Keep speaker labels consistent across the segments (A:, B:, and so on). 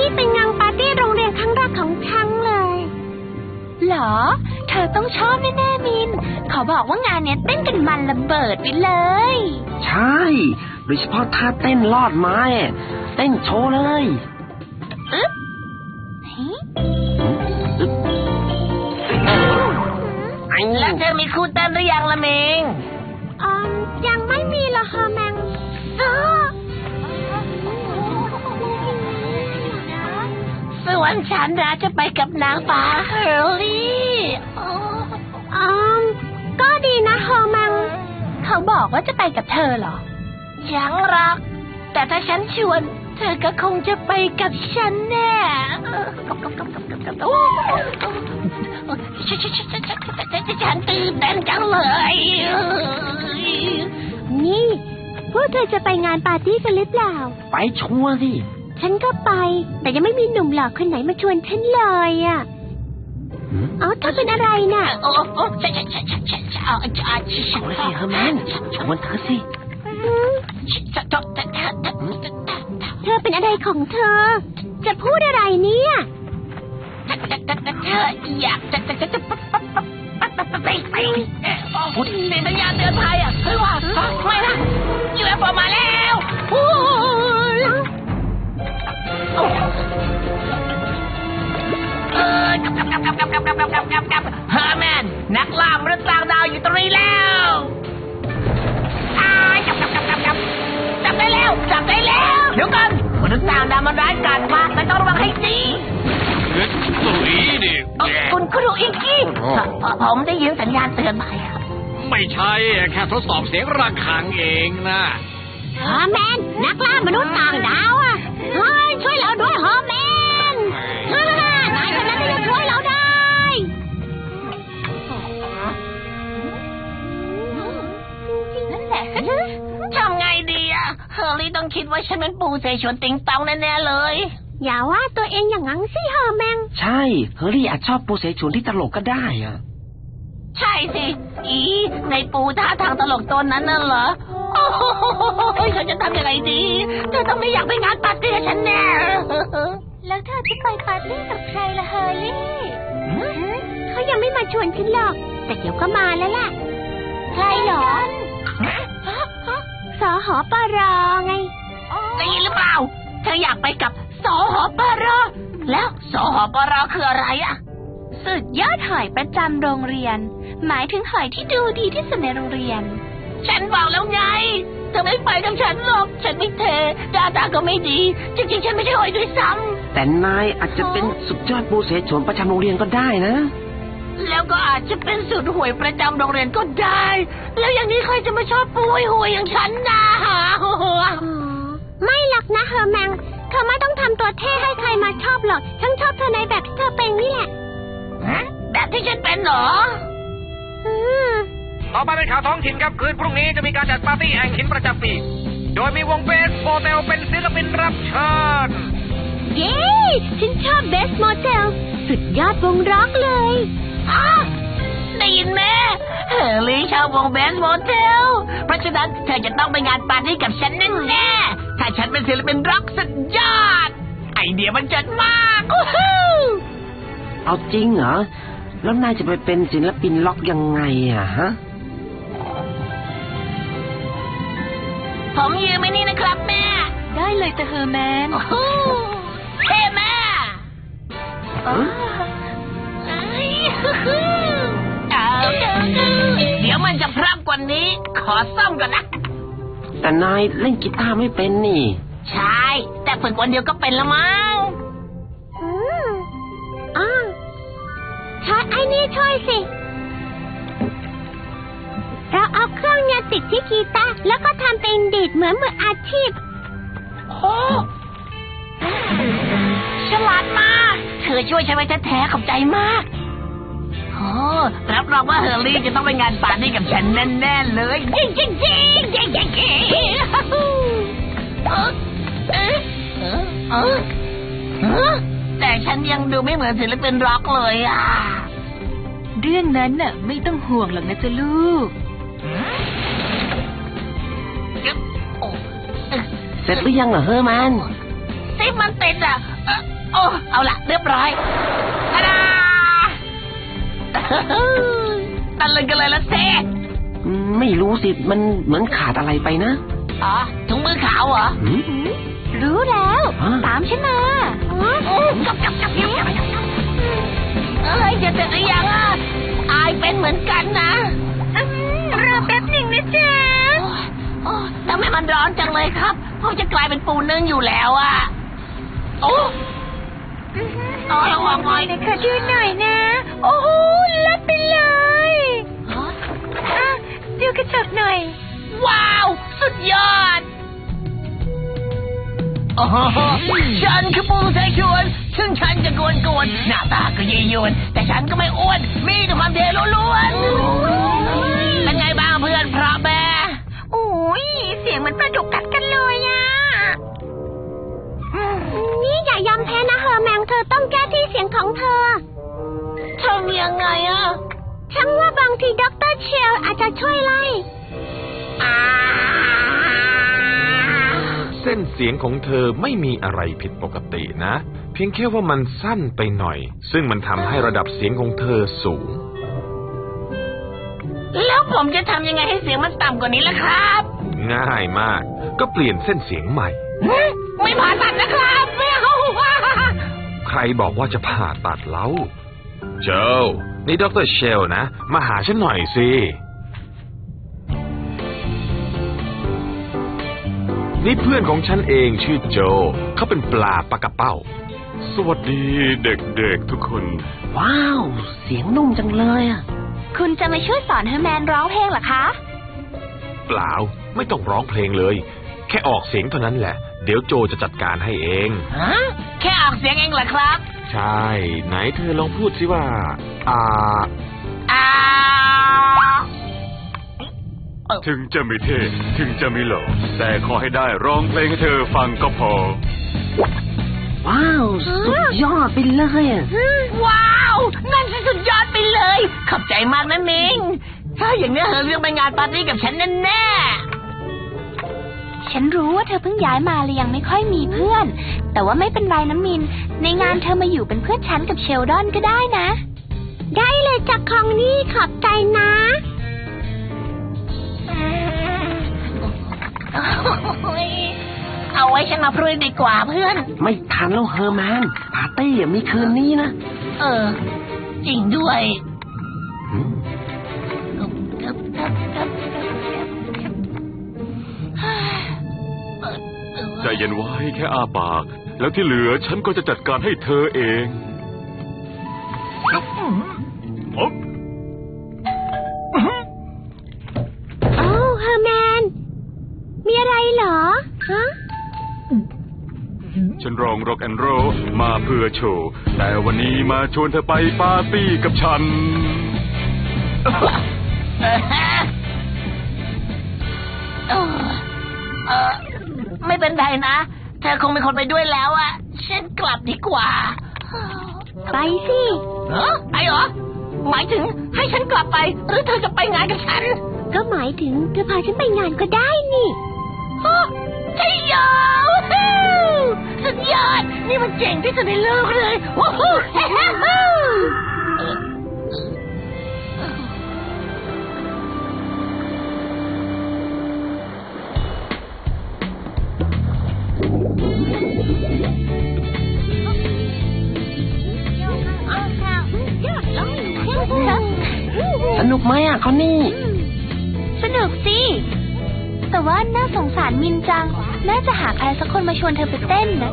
A: นี่เป็นงานปาร์ตี้โรงเรียนครั้งแรกของฉันเลยเหรอเธอต้องชอบแน่ๆมินเขาบอกว่างานเนี้ยเต้นกันมันระเบิดไปเลย
B: ใช่โดยเฉพาะท่าเต้นลอดไม้เต้นโชว์เลย
C: แล้วเธอมีครูเต้นหรือยังละเมง
A: ยังไม่มีหรอกค่ะแมง
C: ส่วนฉันนะจะไปกับนางฟ้าเฮอร์ลี่
A: ก็ดีนะเฮอร์แมงเขาบอกว่าจะไปกับเธอเหรอ
C: ยังรักแต่ถ้าฉันชวนเธอก็คงจะไปกับฉันแน่ฉันตื่นเต้นจังเลย
A: นี่พวกเธอจะไปงานปาร์ตี้กันหรือเปล่า
B: ไปชัวร์สิ
A: ฉันก็ไปแต่ยังไม่มีหนุ่มหล่อคนไหนมาชวนฉันเลยอ่ะเธอเป็นอะไรน่ะ
B: เอาสิเฮอร์แมนชวนเธอสิ
A: เธอเป็นอะไรของเธอจะพูดอะไรเนี่ย
C: เธออยากจะพูดในสัญญาณเตือนภัยเฮ้ยว่าไม่นะUFOมาแล้วเฮอร์แมนนักล่ามนุษย์ต่างดาวอยู่ตรงนี้แล้วจับได้แล้วเดี๋ยวกันมนุษย์ต่างดาวมันร้ายกาจมากต้องระวังให้ดีคุณครูอิงกี้ผมได้ยินสัญญาณเตือนภัยครับ
D: ไม่ใช่แค่ทดสอบเสียงระฆังเองนะ
A: ฮอร์แมนนักล่ามนุษย์ต่างดาวช่วยเราด้วยฮอร์แมนนายคนนั้นจะช่วยเราได้
C: นั่นแหละทำไงดีเฮอร์รี่ต้องคิดว่าฉันเป็นปูเสฉวนติงตองแน่ๆเลย
A: อย่าว่าตัวเองอย่างนั้นสิเฮอร์แมน
B: ใช่เฮอร์รี่อาจชอบปูเสฉวนที่ตลกก็ได้
C: ใช่สิในปูท่าทางตลกตัวนั้นน่ะเหรอโอ้โหฉันจะทำยังไงดีเธอต้องไม่อยากไปงานปาร์ตี้กับฉันแน่
A: แล้วเธอจะไปปาร์ตี้กับใครล่ะเฮอร์รี่เขายังไม่มาชวนฉันหรอกแต่เดี๋ยวก็มาแล้วล่ะใครหรอสหปรไง
C: ได้ยินหรือเปล่าเธออยากไปกับสหปรแล้วสหปรคืออะไร
A: สุดยอดหอยประจำโรงเรียนหมายถึงหอยที่ดูดีที่สุดในโรงเรียน
C: ฉันบอกแล้วไงเธอไม่ไปกับฉันหรอกฉันไม่เทดาตาก็ไม่ดีจริงๆฉันไม่ใช่หอยด้วยซ้
B: ำแต่นายอาจจะเป็นสุดยอดปูเสฉวนประจำโรงเรียนก็ได้นะ
C: แล้วก็อาจจะเป็นสุดห่วยประจำโรงเรียนก็ได้แล้วอย่างนี้ใครจะมาชอบปูห่วยอย่างฉันนะ
A: ไม่หรอกนะเฮอร์แมงเธอไม่ต้องทำตัวเท่ให้ใครมาชอบหรอกฉันชอบเธอในแบบที่เธอเป็นนี่แหละ
C: แบบที่ฉันเป็นเหรอ
D: ต่อไปเป็นข่าวท้องถิ่นครับคืนพรุ่งนี้จะมีการจัดปาร์ตี้แห่งหินประจำปีโดยมีวงเบสโมเทลเป็นศิลปินรับเชิญ
A: เย้ฉันชอบเบสโมเทลสุดยอดวงร็อกเลย
C: ได้ยินไหมเฮอร์รี่ชอบวงเบสโมเทลเพราะฉะนั้นเธอจะต้องไปงานปาร์ตี้กับฉันแน่ๆถ้าฉันเป็นศิลปินร็อกสุดยอดไอเดียมันเจ๋งมาก
B: เอาจริงเหรอแล้วนายจะไปเป็นศิลปินล็อกยังไงฮะ
C: ผมยืมไว้นี่นะครับแม่
A: ได้เลยแต่เฮอร์แมน
C: เท่แม่เดี๋ยวมันจะพร่ำกว่านี้ขอซ่อมก่อนนะ
B: แต่นายเล่นกีตาร์ไม่เป็นนี่
C: ใช่แต่ฝึกวันเดียวก็เป็นละมั้ง
A: ใช้ไอ้นี่ช่วยสิเราเอาเครื่องเนี่ยติดที่กีตาร์แล้วก็ทำเป็นดีดเหมือนมืออาชีพ
C: โอ้ฉลาดมากเธอช่วยฉันไว้แท้ๆขอบใจมากรับรองว่าเฮอร์รี่จะต้องไปงานปาร์ตี้กับฉันแน่ๆเลยจริงแต่ฉันยังดูไม่เหมือนศิลปินร็อกเลย
A: เรื่องนั้นน่ะไม่ต้องห่วงหรอกนะจ๊ะลูก
B: เสร็จหรือยังเฮอร์แมน
C: 10 มันติดอ่ะโอ้เอาละเรียบร้อยทาดาตันเลยกันเลยละเซ่
B: ไม่รู้สิมันเหมือนขาดอะไรไปนะ
C: อ๋อถุงมือขาวเหรอ
B: หืม
A: รู้แล้ว
B: ฮะ
A: ตามฉันมา
C: จับเอ้ยจะเสร็จหรือยังอ่ะอายเป็นเหมือนกันนะ
A: รอแป๊บหนึ่งนะจ๊ะ
C: ทำไมมันร้อนจังเลยครับเพราะจะกลายเป็นปูนึ่งอยู่แล้วอ่ะโอ้ระวังหน่อย
A: เดี๋ยวขอดูหน่อยนะ โอ้โหลัดไปเลยอ่ะดูกระจกหน่อย
C: ว้าวสุดยอดโอ้โหฉันคือปูไทยชวนซึ่งฉันจะกวนหน้าตาก็ยียวนแต่ฉันก็ไม่อ้วนมีแต่ความเทล้วนๆเป็นไงบ้างเพื่อนพระแม่
A: โอ้ยเสียงเหมือนปลาดุกกัดกันเลยอ่ะนี่อย่ายอมแพ้นะเฮอร์แมงเธอต้องแก้ที่เสียงของเธอ
C: ทำยังไงอ่ะ
A: ฉันว่าบางทีด็อกเตอร์เชลอาจจะช่วยไล่
E: เส้นเสียงของเธอไม่มีอะไรผิดปกตินะ เพียงแค่ว่ามันสั้นไปหน่อย ซึ่งมันทำให้ระดับเสียงของเธอสูง
C: แล้วผมจะทำยังไงให้เสียงมันต่ำกว่านี้ล่ะครับ
E: ง่ายมาก ก็เปลี่ยนเส้นเสียงใหม่
C: ไม่ผ่าตัดนะครับไม่เอา
E: ใครบอกว่าจะผ่าตัดเล่าโจนี่ดร. เชลนะ มาหาฉันหน่อยสิ นี่เพื่อนของฉันเองชื่อโจ เขาเป็นปลาปากระเป้า
F: สวัสดีเด็กๆทุกคน
B: ว้าว เสียงนุ่มจังเลยอ่ะ
A: คุณจะมาช่วยสอนเฮอร์แมนร้องเพลงเหรอคะ
E: เปล่าไม่ต้องร้องเพลงเลย แค่ออกเสียงเท่านั้นแหละ เดี๋ยวโจจะจัดการให้เอง
C: ฮะแค่ออกเสียงเองเหรอครับ
E: ใช่ ไหนเธอลองพูดสิว่า
C: อ่า
F: ถึงจะไม่เท่ถึงจะไม่หล่อแต่ขอให้ได้ร้องเพลงให้เธอฟังก็พอ
B: ว้าว สุดยอดไปเลยอ่ะ
C: ว้าวนั่นสุดยอดไปเลยขอบใจมากนะมิงถ้าอย่างนี้เธอเรื่องไปงานปาร์ตี้กับฉันแน่
A: ฉันรู้ว่าเธอเพิ่งย้ายมาเลยยังไม่ค่อยมีเพื่อน แต่ว่าไม่เป็นไรนะมิน ในงานเธอมาอยู่เป็นเพื่อนฉันกับเชลดอนก็ได้นะ ได้เลยจากของนี่ขอบใจนะ
C: เอาไว้ฉันมาพรุ่งนี้ดีกว่าเพื่อน
B: ไม่ทันแล้วเฮอร์แมน ปาร์ตี้มีคืนนี้นะ
C: จริงด้วย
B: หืม
F: ใจเย็นไว้แค่อ้าปาก แล้วที่เหลือฉันก็จะจัดการให้เธอเองอ๊อบ
A: โอ้เฮอร์แมน มีอะไรเหรอ ฮะ
F: ฉันร้องร็อกแอนด์โรลมาเพื่อโชว์ แต่วันนี้มาชวนเธอไปปาร์ตี้กับฉัน
C: ไม่เป็นไรนะ เธอคงเป็นคนไปด้วยแล้วอะฉันกลับดีกว่า
A: ไปสิ
C: ไปเหรอ หมายถึงให้ฉันกลับไป หรือเธอจะไปงานกับฉัน
A: ก็หมายถึงเธอพาฉันไปงานก็ได้นี่
C: ใช่ยอสุดยอด นี่มันเจ๋งที่สุดในโลกเลยว้าว
B: สนุกไหมอ่ะคอนนี่
A: สนุกสิ แต่ว่าน่าสงสารมินจัง น่าจะหาใครสักคนมาชวนเธอไปเต้นนะ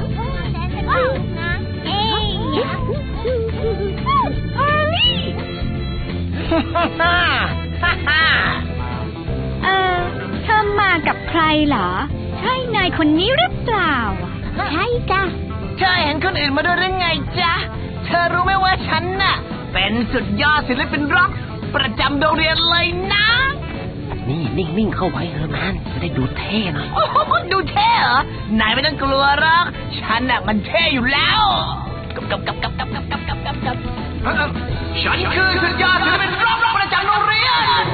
A: เธอมากับใครเหรอ ใช่นายคนนี้หรือเปล่า ใช่จ้ะ
C: เธอเห็นคนอื่นมาด้วยหรือไงจ๊ะ เธอรู้ไหมว่าฉันน่ะ เป็นสุดยอดศิลปินร็อกประจำโรงเรียนเลยนะ
B: นี่นิ่งๆเข้าไว้เฮอร์แมน จะได้ดูเท่หน่อย
C: โอ้โหดูเท่เหรอนายไม่ต้องกลัวหรอกฉันน่ะมันเท่อยู่แล้วกับฉันคือสุดยอดศิลปินร็อกประจจำโรงเรียน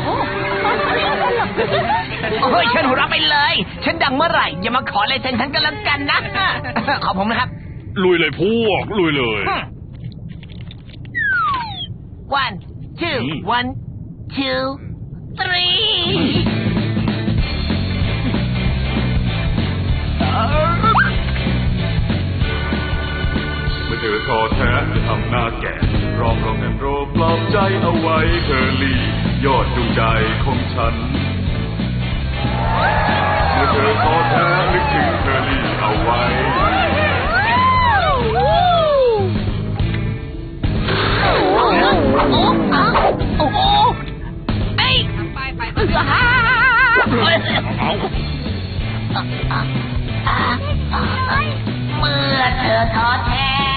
C: โอ้ยฉันหัวเราะไปเลย ฉันดังเมื่อไหร่อย่ามาขอลายเซ็นฉันกันแล้วกันนะ ขอผมนะครับ
F: ลุยเลยพวก ลุยเลย
C: 1 2 1 2
F: เมื่อเธอท้อแท้จะทำหน้าแก่ร้องแอนโรปลอบใจเอาไว้เคอรี่ยอดดวงใจของฉัน เมื่อเธอท้อแท้นึกถึงเคอรี่เอาไว้
C: โอ้โหเอ้ยเมื่อเธอท้อแท้